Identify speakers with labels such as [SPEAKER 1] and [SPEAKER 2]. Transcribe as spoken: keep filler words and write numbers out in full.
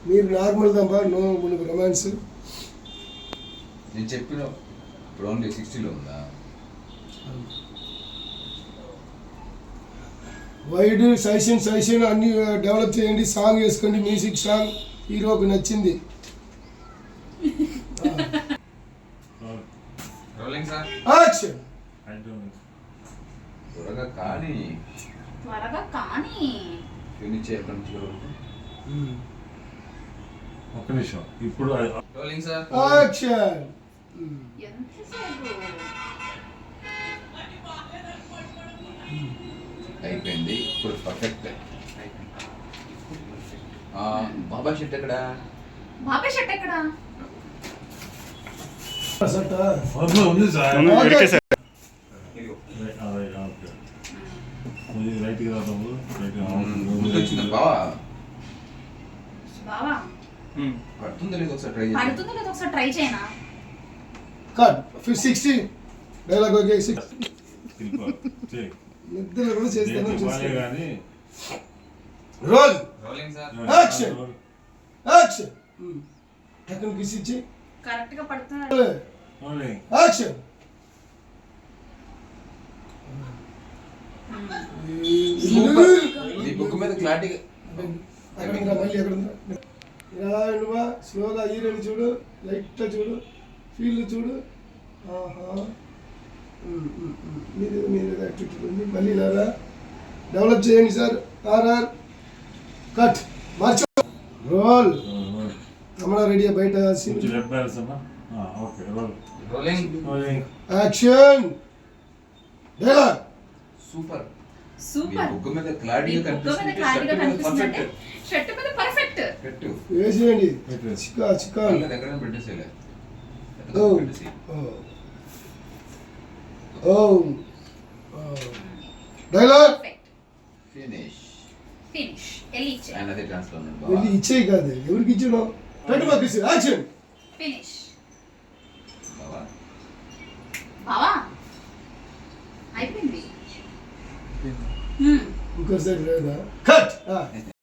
[SPEAKER 1] మీరు నార్మల్ దాంబా నో మనకు రొమాన్స్.
[SPEAKER 2] నేను చెప్పిన ఇప్పుడు ఓన్లీ సిక్స్టీలో ఉందా?
[SPEAKER 1] వైడ్ సైషన్ సైషన్ అన్ని డెవలప్ చేయండి, సాంగ్ వేసుకోండి, మ్యూజిక్ సాంగ్ హీరోకి నచ్చింది.
[SPEAKER 2] Rolling sir.
[SPEAKER 1] యాక్షన్.
[SPEAKER 2] త్వరగా కానీ
[SPEAKER 3] త్వరగా కానీ
[SPEAKER 2] ఫినిష్ చేయకుండా చూడండి.
[SPEAKER 4] ఒక్క నిమిషం ఇప్పుడు
[SPEAKER 2] రోలింగ్ సార్.
[SPEAKER 1] యాక్షన్.
[SPEAKER 3] ఎంతసేపు
[SPEAKER 2] అయిపోయింది ఇప్పుడు పర్ఫెక్ట్. బాబా షెట్ ఎక్కడ?
[SPEAKER 3] బాబాయ్ షర్ట్ ఎక్కడ?
[SPEAKER 1] సట
[SPEAKER 4] ఉంది సార్.
[SPEAKER 2] ఇదిగో.
[SPEAKER 4] రైట్ గా
[SPEAKER 2] గుర్తొచ్చింది బావా.
[SPEAKER 3] బావా
[SPEAKER 2] పడుతుందో లేదో ఒకసారి ట్రై చేసి.
[SPEAKER 3] పడుతుందో లేదో ఒకసారి ట్రై చేయనా?
[SPEAKER 1] Cut sixty dialogue okay. Six నిద్రలో కూడా చేస్తాను చూస్తాను.
[SPEAKER 4] కానీ
[SPEAKER 1] roll.
[SPEAKER 2] Rolling sir.
[SPEAKER 1] Action. Action. టక్కన కిస్ ఇచ్చి
[SPEAKER 3] కరెక్ట్ గా పడుతున్నాడు.
[SPEAKER 1] యాక్షన్.
[SPEAKER 2] ఈ బుక్ మీద క్లారిటీ
[SPEAKER 1] అక్కడ ఉందా మళ్ళీ ఎక్కడ ఉందా? ఇలా నువ్వా స్లోగా హీరోని చూడు, లైట్గా చూడు, ఫీల్ చూడు. ఆహా మీరు మీరు యాక్టివిటీ ఉంది. మళ్ళీ ఇలా డెవలప్ చేయండి సార్. ఆర్ఆర్ కట్ మార్చు. రోల్. రమణ రెడీ బయట
[SPEAKER 2] rolling.
[SPEAKER 1] Action. Dialogue.
[SPEAKER 2] Super.
[SPEAKER 3] Super.
[SPEAKER 2] Book మీద క్లారిటీగా
[SPEAKER 3] బుక్ మీద క్లారిటీగా కనిపిస్తుందంటే షర్ట్ మీద పర్ఫెక్ట్.
[SPEAKER 2] పెట్టు.
[SPEAKER 1] వేసేయండి. చిక్కా చిక్కా
[SPEAKER 2] దగ్గర పెట్టేసేలే.
[SPEAKER 1] ఓ ఓ డైలాగ్.
[SPEAKER 2] ఫినిష్.
[SPEAKER 3] ఫినిష్. ఎల్లి ఇచ్చే.
[SPEAKER 2] అన్నది ట్రాన్స్ఫర్ ఉంది
[SPEAKER 1] వెళ్ళి
[SPEAKER 2] బావా.
[SPEAKER 1] ఇచ్చేయి కాదు, ఎవరికి ఇచ్చాను? పెట్టు పంపిస్తే యాక్షన్.
[SPEAKER 3] ఫినిష్.
[SPEAKER 2] బావా.
[SPEAKER 3] బావా అయిపోయింది.
[SPEAKER 1] ఇంకోసారి లేదా కట్.